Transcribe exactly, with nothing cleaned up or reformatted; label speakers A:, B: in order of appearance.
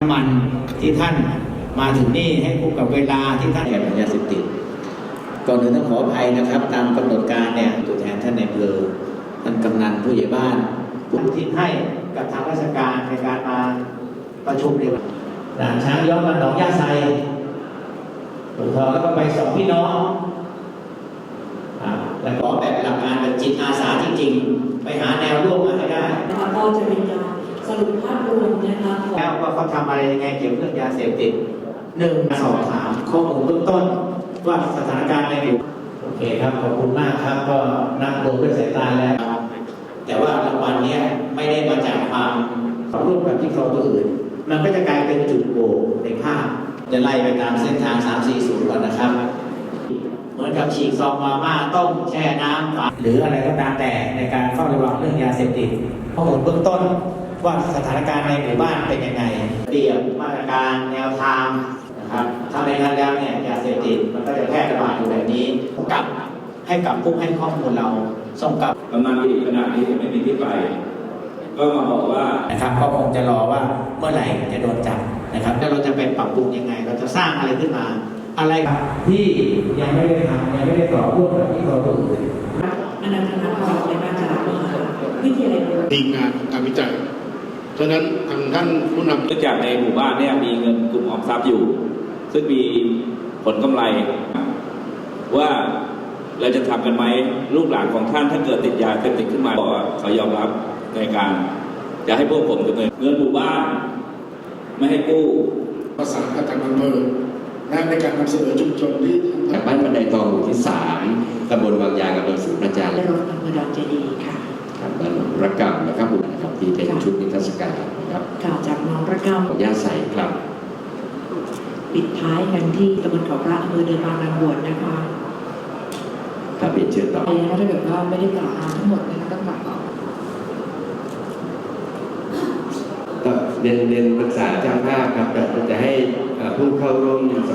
A: มันที่ท่านมาถึงนี่ให้คุ้มกับเวลาที่ท่านแอบยาเสพติดก่อนอื่นต้องขออภัยนะครับตามกำหนดการเนี่ยตัวแทนท่านนายอำเภอท่านกำนันผู้ใหญ่บ้านผู้ที่ให้กับทางราชการในการมาประชุมในวันด่านช้างย้อนมาหนองยาไซหลวงพ่อแล้วก็ไปสองพี่น้องแล้วก็แบบหลักการแบบจิตอาสาจริงๆไปหาแนวร่วมมาให้ได้
B: ก็จะเป็นการสรุปภาพรวมนะคะ
A: แล้วว่าเขาทำอะไรยังไงเกี่ยวกับเรื่องยาเสพติดหนึ่งสอบถามข้อมูลเบื้องต้นว่าสถานการณ์ในอยู่โอเคครับขอบคุณมากครับก็นับรวมด้วยสายตาแล้วแต่ว่ารางวัลนี้ไม่ได้มาจากความร่วมกับที่เราตัวอื่นมันก็จะกลายเป็นจุดโหว่ในภาพจะไล่ไปตามเส้นทางสาม สี่ ศูนย์ก่อนนะครับเหมือนกับฉีกซองมาม่าต้มแช่น้ำหรืออะไรก็ตามแต่ในการเฝ้าระวังเรื่องยาเสพติดข้อมูลเบื้องต้นว่าสถานการณ์ในหมู่บ้านเป็นยังไงเรียบมาตรการแนวทางนะครับถ้าในงานแล้วเนี่ยยาเสพติดมันก็จะแพร่ระบาดอยู่แบบนี้กลับให้กับผู้ให้ข้อมูลเราส่งกลับ
C: กำนันอีกขนาดนี้ไม่มีที่ไปก็มาบอกว่า
A: นะครับก็คงจะรอว่าเมื่อไหร่จะโดนจับนะครับแล้วเราจะไปปรับปรุงยังไงเราจะสร้างอะไรขึ้นมาอะไรที่ยังไม่ได้ทำยังไม่ได้ต่อร่วมกับที่เราตัวอื่น
B: อนันตนาภาในมาจากมหาวิทยาลัย
D: ทีมงานการวิจัยฉะนั้นทางท่านผู้นำ
C: เนื่องจากในหมู่บ้านเนี่ยมีเงินกลุ่มออมทรัพย์อยู่ซึ่งมีผลกำไรว่าเราจะทำกันไหมลูกหลานของท่านถ้าเกิดติดยาเสพติดขึ้นมาบอกว่าเขายอมรับในการจะให้พวกผมดำเนินเงินหมู่บ้านไม่ให้กู้
D: ประสานกับทางอำเภอในการนำเสนอชุมชนที่
E: จากบ้านบันไดทองหมู่ที่สามตำบลวังยางอำเภอศรีประจันทร์
B: และรถอำเภอดอนเจดีค่ะ
E: ครับบ้านระกำนะครับบุญนะครับที่เป็นชุดนิทรรศการนะครับ
B: กล่าวจากน้องระกำ
E: ของย่าใสครับ
B: ปิดท้ายกันที่ตำบลเขาพระอำเภอเดินบางนางบวชนะคะ
E: ครับเป็นเชิญต่อ
B: ไปนะคะถ้าเกิดว่าไม่ได้กล่าวทั้งหมดนะคะต้องกล่าวต่อ
E: ก็เรียนเรียนปรึกษาเจ้าภาพครับจะให้ผู้เข้าร่วม